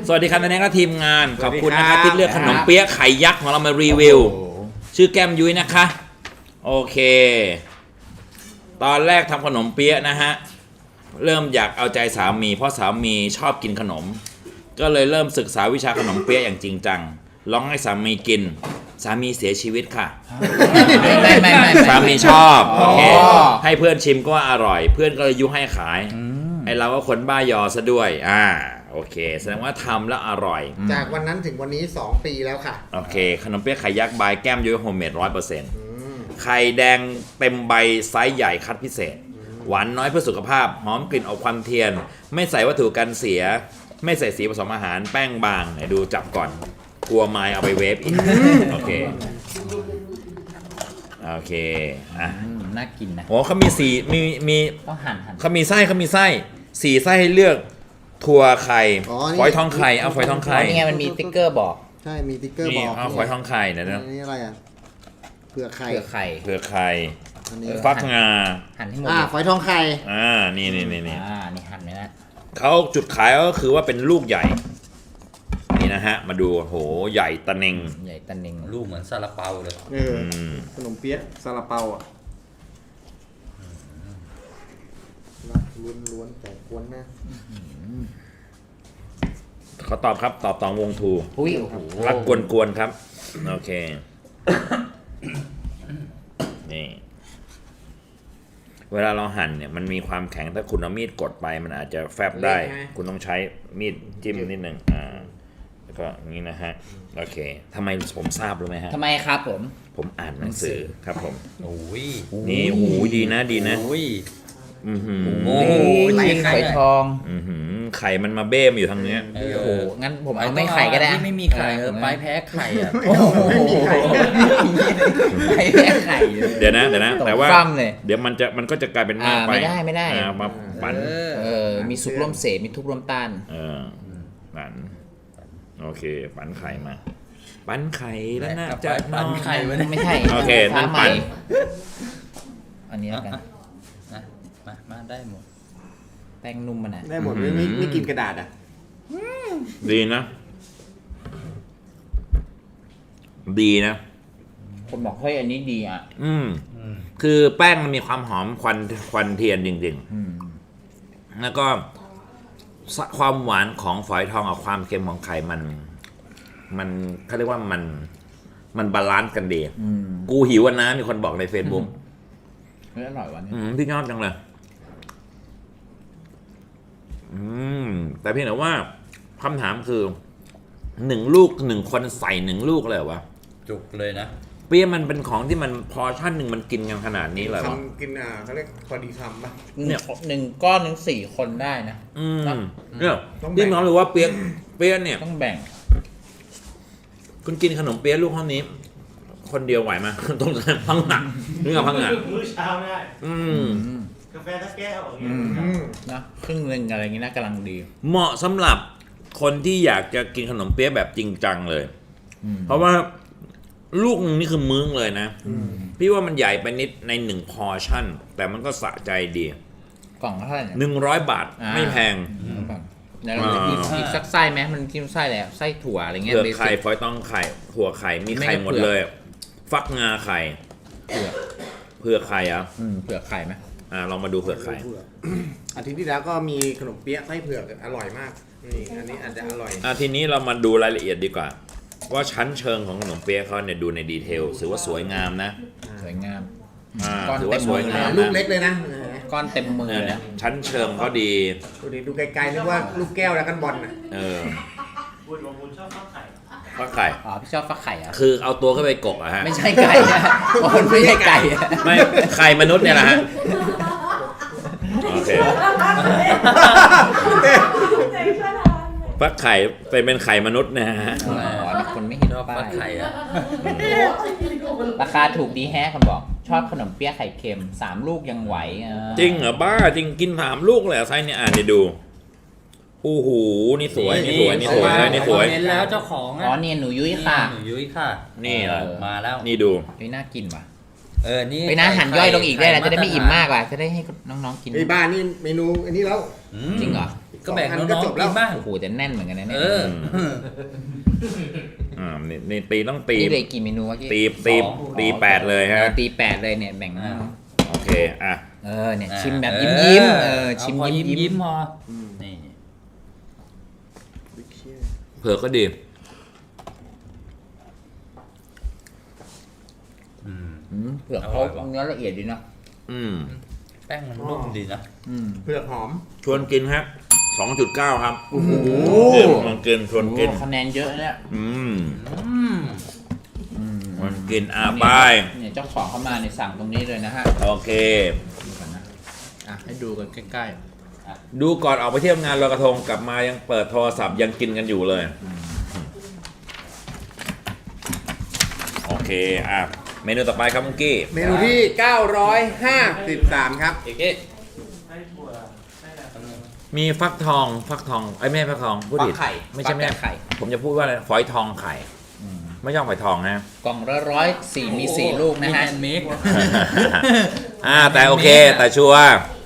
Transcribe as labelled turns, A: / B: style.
A: สวัสดีครับนายและทีมงานขอบคุณนะครับที่เลือกขนมเปี๊ยะไข่ยักษ์ของเรามารีวิวชื่อแก้มยุ้ยนะคะโอเคตอนแรกทำขนมเปี๊ยะนะฮะเริ่มอยากเอาใจสามีเพราะสามีชอบกินขนมก็เลยเริ่มศึกษาวิชาขนมเปี๊ยะอย่างจริงจังลองให้สามีกินสามีเสียชีวิตค่ะ
B: ไม่
A: สามีชอบโอเคให้เพื่อนชิมก็ว่าอร่อยเพื่อนก็เลยยุให้ขายไอเราก็คนบ้ายอซะด้วยโอเคแสดงว่าทำแล้วอร่อย
C: จากวันนั้นถึงวันนี้2 ปีแล้วค่ะ
A: โอเคขนมเปี๊ยะไข่ยักษ์บายแก้มยุ้ยโฮมเมด100%ไข่แดงเต็มใบไซส์ใหญ่คัดพิเศษหวานน้อยเพื่อสุขภาพหอมกลิ่นออกควันเทียนไม่ใส่วัตถุกันเสียไม่ใส่สีผสมอาหารแป้งบางไหนดูจับก่อนกลัวไม้เอาไปเวฟอีกโอเค
B: น่ากินนะ
A: โอ้เขามีมี
B: ต้องหั่น
A: เขามีไส้4 ไส้ให้เลือกถั่วไข่ฝอยทองไข่เอาฝอยทองไข่
B: นี่ไงมันมีสติ๊กเกอร์บอก
C: ใช่มีสติ๊กเกอร์บอก
A: เอาฝอยทองไข่นะ
C: นี่อะไรอ่ะเผือกไข่
A: ฟักงา
B: หั่นให้หมด
C: ฝอยทองไข่
A: นี่
B: นี่หั่นไหมนะ
A: เขาจุดขายก็คือว่าเป็นลูกใหญ่นี่นะฮะมาดูโหใหญ่ตะเนง
D: ลูกเหมือนซาลาเปาเลย
C: ขนมเปี๊ยะซาลาเปาอ่ะล้วนแต่กวนนะ
A: เขาตอบครับตอบตองวงทูรักกวนครับโอเคนี่เวลาเราหั่นเนี่ยมันมีความแข็งถ้าคุณเอามีดกดไปมันอาจจะแฟบได้คุณต้องใช้มีดจิ้มนิดนึงแล้วก็นี้นะฮะโอเคทำไมผมทราบรู้ไหมฮะ
B: ทำไมครับ
A: ผมอ่านหนังสือครับผม
D: นี่
A: หูดีนะ
B: ไข่ทอง
A: ไข่มันมาเบ้มอยู่ทางเนี้ย
B: โอ้งั้นผมเอาไม่ไข่ก็ได้
D: ไม่มีไข่ไปแพ้ไข่อ่ะ
C: ไม่มีไข่
B: ไปแพ้ไข่
A: เดี๋ยวนะแต่ว่าเดี๋ยวมันก็จะกลายเป็นมากไป
B: ไม่ได้
A: มาปั่น
B: มีซุปร่วมเสมีทุกร่วมต้าน
A: ปั่นโอเคปั่นไข่มาปั่นไข่แล้วน่าจะ
D: ปั่นไข่
B: ไม่ใช่
A: โอเคนั่นปั่น
B: อันนี้แล้วกัน
D: มาได้หมด
B: แป้งนุ่มมัน
C: ได้หมดไม่กินกระดาษ
A: ดีนะ
B: ผมบอกเฮ้ยอันนี้ดี
A: คือแป้งมันมีความหอมควันเทียนจริงๆแล้วก็ความหวานของฝอยทองกับความเค็มของไข่มันเขาเรียกว่ามันบาลานซ์กันดีกูหิวนะมีคนบอกใน Facebook
B: อร่อยวันนี้
A: พี่ชอบจังเลยแต่เพียงแต่ว่าคำถามคือ1 ลูก1 คนใส่1 ลูกเลยวะ
D: จุกเลยนะ
A: เปี๊ยะมันเป็นของที่มันพอชั่นหนึ่งมันกินกันขนาดนี้เลยวะ
C: กินเขาเรียกพอดีคำป่ะ
B: เนี่ย1 ก้อนถึง4 คนได้นะ
A: เนี่ยพี่น้องรู้ว่าเปี๊ยะเนี่ย
B: ต้องแบ่ง
A: คุณกินขนมเปี๊ยะลูกเท่านี้คนเดียวไหวไหมต้องพังหนักนี่กับพังหนัก
E: มื้อเช้าได้กาแฟสักแก้วอย่างเงี้ย
B: นะครึ่งนึงอะไรอย่างงี้น่ากำลังดี
A: เหมาะสำหรับคนที่อยากจะกินขนมเปี๊ยะแบบจริงจังเลยเพราะว่าลูกนึงนี่คือมื้อเลยนะพี่ว่ามันใหญ่ไปนิดใน1 พอร์ชั่นแต่มันก็สะใจดี
B: กล่องเท่าไหร่
A: 100 บาทไม่แพง
B: แล้วเราจะอีกสักไส้ไหมมันกินไส้อะไรไส้ถั่วอะไรเงี้ย
A: เผือกไข่ฝอยทองไข่ถั่วไข่มีไข่หมดเลยฟักงาไข่เผือกไข่
B: เผือกไข่ไหม
A: ลองมาดูเผือกไข่
C: อาทิตย์ที่แล้วก็มีขนมเปี๊ยะไส้เผือกอร่อยมากนี่อันนี้อาจจะอร่อย
A: ทีนี้เรามาดูรายละเอียดดีกว่าว่าชั้นเชิงของขนมเปี๊ยะเขาเนี่ยดูในดีเทลถือว่าสวยงามนะ
B: สวยงาม
A: ถือว่าสวยงาม
C: ลูกเล็กเลยนะ
B: ก้อนเต็มมือเลย
A: ชั้นเชิงเขาดี
C: ดูไกลๆนึกว่าลูกแก้วแล้วกันบอล
E: บุญชอบฟักไข่
B: พี่ชอบฟักไข่
A: คือเอาตัวเข้าไปกบฮะ
B: ไม่ใช่ไก่มันไม่ใช่ไก่
A: ไม่ไข่มนุษย์เนี่ยแหละฮะโอเคฟักไข่เป็นไข่มนุษย์นะฮะ
B: คนไม่เห็น
D: ฟักไข่
B: ราคาถูกดีแฮะคนบอกชอบขนมเปี๊ยะไข่เค็ม3 ลูกยังไหว
A: จริงเหรอบ้าจริงกิน3 ลูกเลยไส้เนี่ยเดี๋ยวดูโอ้โหนี่สวย
D: เห็นแล้วเจ้าของ
B: เนี่ยหนูยุ้ยค่ะ
A: นี่
D: มาแล้ว
A: นี่ดู
B: นี่น่ากินว่ะ
D: นี่
B: ไปนะหั่นย่อยลงอีกได้แล้วจะได้ไม่อิ่มมากว่ะจะได้ให้น้องๆกิน
C: ไอ้บ้านนี่เมนูอันนี้แล้ว
B: จริงเหรอ
D: ก็แบ่ง
C: 2 อั
D: น้
C: ก็
D: อง
C: จบ
D: ๆ
C: แล้
D: กิ
C: วน
D: บ้าง
B: โอ้โหแต่แน่นเหมือนกันนะเนี่ย
D: เออ
A: นี่ตีต้องตี
B: นี่เลยกี่เมนูวะกี้
A: ตี8เลยฮะ
B: ตี8เลยเนี่ยแบ่งมา
A: โอเคอ่ะ
B: เนี่ยชิมแบบยิ้มชิม
D: เอาพอ
B: ยิ้ม
D: ยิ้มพอนี่
A: เผือกก็ดี
B: เผือกเขาเนื้อละเอียดดีนะ
A: อืม
D: แป้งมันนุ่มดีนะ
C: เผือกหอม
A: ชวนกินครับ 2.9 ครับ
C: โอ้โห
A: มันกินชวนกิน
B: คะแนนเยอะเนี่ย
A: มันกินไป
B: เนี่ยเจ้าของเข้ามาในสั่งตรงนี้เลยนะฮะ
A: โอเค
C: ให้ดูกันใกล้
A: ดูก่อนออกไปเที่ยวงานลอยกระทงกลับมายังเปิดโทรศัพท์ยังกินกันอยู่เลย โอเคอ่ะเมนูต่อไปครับมุงกี้
C: ๆ เมนูที่ 953 ครับ
A: มีฟักทองไอ้ยไม่ใช่ฟักทองพูดผิด
B: ฟักไข่
A: ไม่ใช่
B: ฟัก
A: ไม่ใช่
B: ไข่
A: ผมจะพูดว่าอะไรฝอยทองไข่ไม่ใช่ฝอยทองนะ
B: กล่องละ104มี4 ลูกนะ
D: มี
B: ฮะ
D: แฮนด์เมด
A: แต่โอเค แต่ชัวร์